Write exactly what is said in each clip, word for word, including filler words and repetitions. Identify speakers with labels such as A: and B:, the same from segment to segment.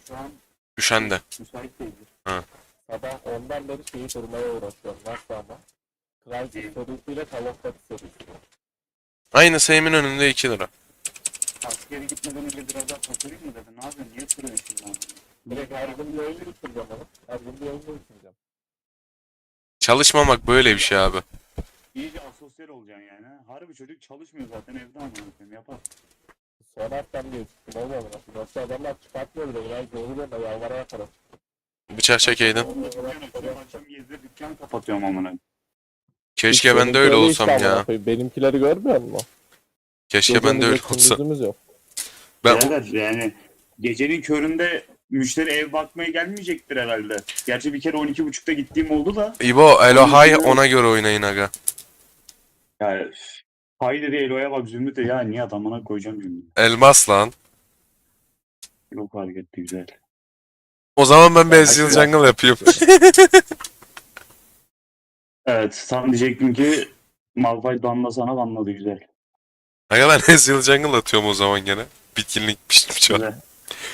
A: şu an
B: Düşen de.
A: müsait değildir.
B: Ha.
A: Sabah ondan beri şeyi kurmaya uğraşıyorum. Nasıl ama? Crysis serisiyle Call of Duty serisi.
B: Aynı Seymin önünde iki lira.
C: Askeri gitmeden önce biraz daha takılayım mı dedi. Ne yapıyorsun? Niye sürüyorsun lan?
A: Direkt her gün bir oyunu bitireceğim onu. Her gün bir oyunu bitireceğim.
B: Çalışmamak böyle bir şey abi.
C: İyice asosyal olacaksın yani. ha. Harbi çocuk çalışmıyor zaten evde amına koyayım yapar.
A: Son haftam diye çıktım olmadı nasıl. Yoksa adamlar çıkartmıyor bile. Biraz zorluyor da yalvara yaparım.
B: Bıçak çekeydin.
C: Dükkan açıyorum, akşam gezdir dükkan kapatıyorum amına.
B: Keşke ben de
A: Benimki
B: öyle
A: öyle
B: olsam
A: işte amına
B: ya.
A: koyayım. Benimkileri görmüyor musun?
B: Keşke ben de öyle
A: Gecemiz yok,
B: olsam.
A: gündüzümüz yok.
B: Ben
C: Birader yani gecenin köründe müşteri ev bakmaya gelmeyecektir herhalde. Gerçi bir kere on iki buçukta gittiğim oldu da.
B: İbo, Elo Hay ona göre oynayın aga.
C: Yani hay dedi Elo'ya bak Zümrüt de ya niye adamına koyacağım Zümrüt'ü.
B: Elmas lan.
C: Yok hareketli güzel.
B: O zaman ben bir
A: Ben
B: Ezreal
A: aşağı
B: Jungle yapayım.
C: Evet tam diyecektim ki Malphite banla sana banladı güzel.
B: Aga ben Ezreal Jungle atıyorum o zaman gene. Bitkinlik pişmiş var.
C: Güzel.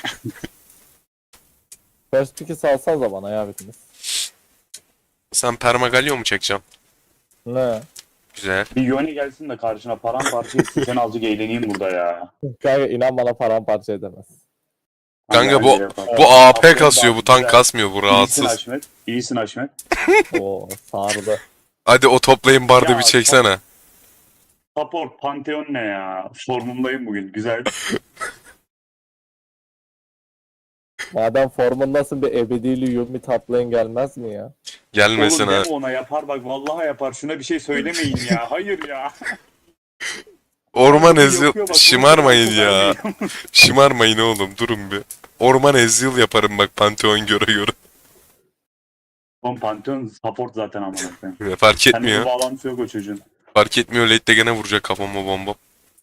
A: First pick'i salsanıza bana ya bitiniz.
B: Sen Permagalio mu çekeceksin?
A: Ne?
B: Güzel.
C: Bir Yone gelsin de karşına paramparça etsin sen azıcık eğleneyim burada ya.
A: Kanka inan bana paramparça edemez.
B: Kanka
C: Hadi
B: bu
C: yapalım.
B: bu A P
C: Aferin
B: kasıyor,
C: bak,
B: bu tank
C: güzel.
B: kasmıyor, bu
C: İyisin
B: rahatsız.
C: Haşmet. İyisin Haşmet.
A: Oo sardı.
B: Hadi o toplayın bardı
C: Ya,
B: bir çeksene.
C: Support Pantheon ne ya? Formundayım bugün. Güzel.
A: Madem formundasın bir ebedili Yumi taplayın gelmez mi ya?
B: Gelmesin
C: Oğlum
B: ha.
C: deme ona yapar bak vallahi yapar. Şuna bir şey söylemeyin ya. Hayır ya.
B: Orman
C: Bu
B: Ezreal
C: yapıyor bak, bunu
B: şımarmayın
C: bırakın,
B: ya.
C: vermeyin.
B: Şımarmayın oğlum, durun bir. Orman Ezreal yaparım bak Pantheon göre göre.
C: Oğlum Pantheon support zaten amına koyayım.
B: Fark
C: Seninle bir
B: etmiyor.
C: bağlantısı yok o çocuğun.
B: Fark etmiyor, late'de gene vuracak kafama bomba.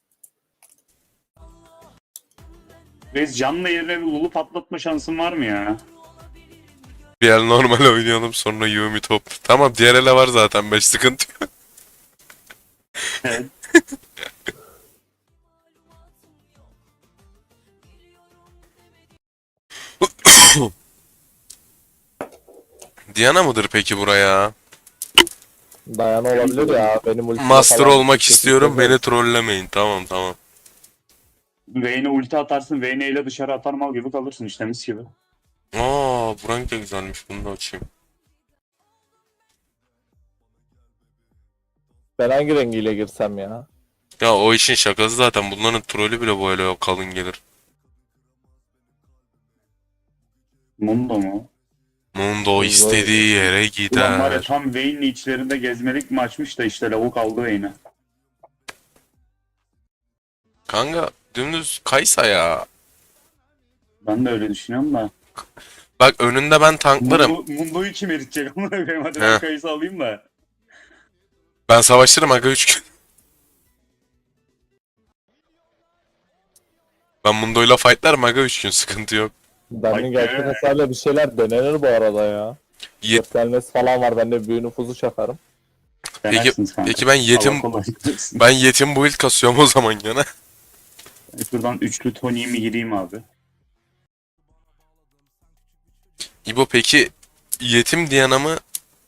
C: Reis canlı yerine bir lulu patlatma şansın var mı ya?
B: Bir el normal oynayalım, sonra Yumi top. Tamam, diğer ele var zaten, beş sıkıntı yok.
C: Evet.
B: Diana mıdır peki buraya?
A: Dayan olabilir ya. Benim ultime
B: Master
A: falan
B: olmak
A: kesin
B: istiyorum,
A: çözeriz.
B: beni trollemeyin. Tamam tamam.
C: Vayne'e ulti atarsın. Vayne ile dışarı atar mal gibi kalırsın işte mis gibi.
B: Aa, bu renk de güzelmiş, bunu da açayım.
A: Ben hangi rengiyle girsem ya?
B: Ya o işin şakası zaten, bunların trolü bile böyle kalın gelir.
C: Mundo mu?
B: Mundo istediği yere
C: Ulan var ya
B: gider.
C: tam Vayne'li içlerinde gezmelik mi açmış da işte lavuk aldı Vayne'e.
B: Kanka dümdüz Kaysa ya.
C: Ben de öyle düşünüyorum da.
B: Bak önünde ben tanklarım.
C: Mundo, Mundo'yu kim eritecek? Amına koyayım hadi
B: He.
C: ben kayısı alayım da.
B: Ben savaşırım aga üç gün. Ben Mundo'yla fightlarım aga üç gün, sıkıntı yok.
A: Benim
C: Ay
A: gerçek
C: be.
A: hasarla bir şeyler denenir bu arada ya.
B: Ye-
A: Göstermesi falan var. Ben de büyü nüfuzu çakarım.
B: Peki,
C: Denersiniz kanka.
B: peki ben yetim
C: Allah kolaylık versin.
B: ben yetim build kasıyorum o zaman gene.
C: Şuradan üçlü Tony'yi mi gireyim abi?
B: İbo peki yetim Diana mı?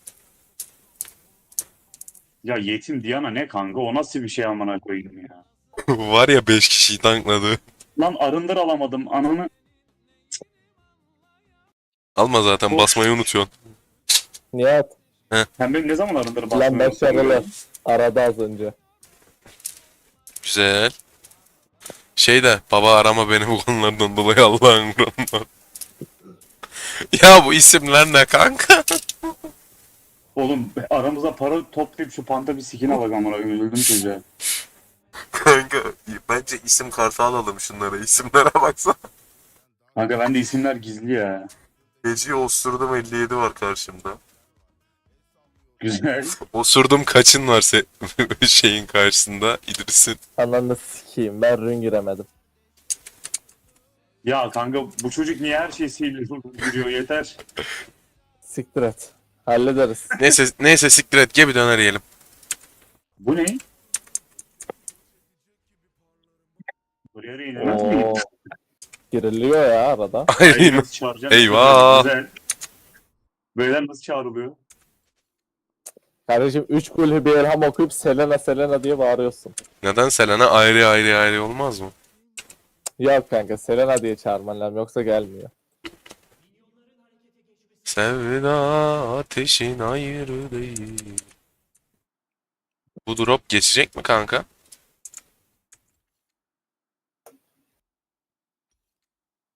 C: Ya yetim Diana ne kanka? O nasıl bir şey amına koyayım ya?
B: Var ya beş kişiyi tankladı.
C: Lan arındır alamadım ananı.
B: Alma zaten,
C: Of.
B: basmayı unutuyorsun.
A: Nihat.
C: Sen benim ne zaman arındır
A: Lan
C: basmıyorum?
A: başarılı. Arada az önce.
B: Güzel. Şey de, baba arama beni bu konulardan dolayı, Allah'ın kurbanı. Ya bu isimler ne kanka?
C: Oğlum aramıza para toplayıp şu panta bir skin alak amına koyayım. Üzüldüm çocuğa.
B: Kanka bence isim kartı alalım şunlara, isimlere baksana.
C: Kanka bende isimler gizli ya.
B: Geceyi osurdum elli yedi var karşımda.
C: Güzel.
B: Osurdum kaçın var se şeyin karşısında, İdris'in.
A: Ananı sikeyim. Ben rün giremedim.
C: Ya kanka bu çocuk niye her şeyi sihirli giriyor yeter.
A: Siktir et. Hallederiz.
B: Neyse neyse siktir et, gel bir döner yiyelim.
C: Bu ne? Buraya da inilmez mi?
A: Oo. Giriliyor ya arada.
C: Aynen.
B: Aynen.
C: Nasıl çağıracaksın?
B: Eyvah.
C: Güzel. Beyler nasıl çağrılıyor?
A: Kardeşim üç kulü bir elham okuyup Selena Selena diye bağırıyorsun.
B: Neden Selena ayrı ayrı ayrı olmaz mı?
A: Yok kanka Selena diye çağırman lazım yoksa gelmiyor.
B: Sevda ateşin ayrı değil. Bu drop geçecek mi kanka?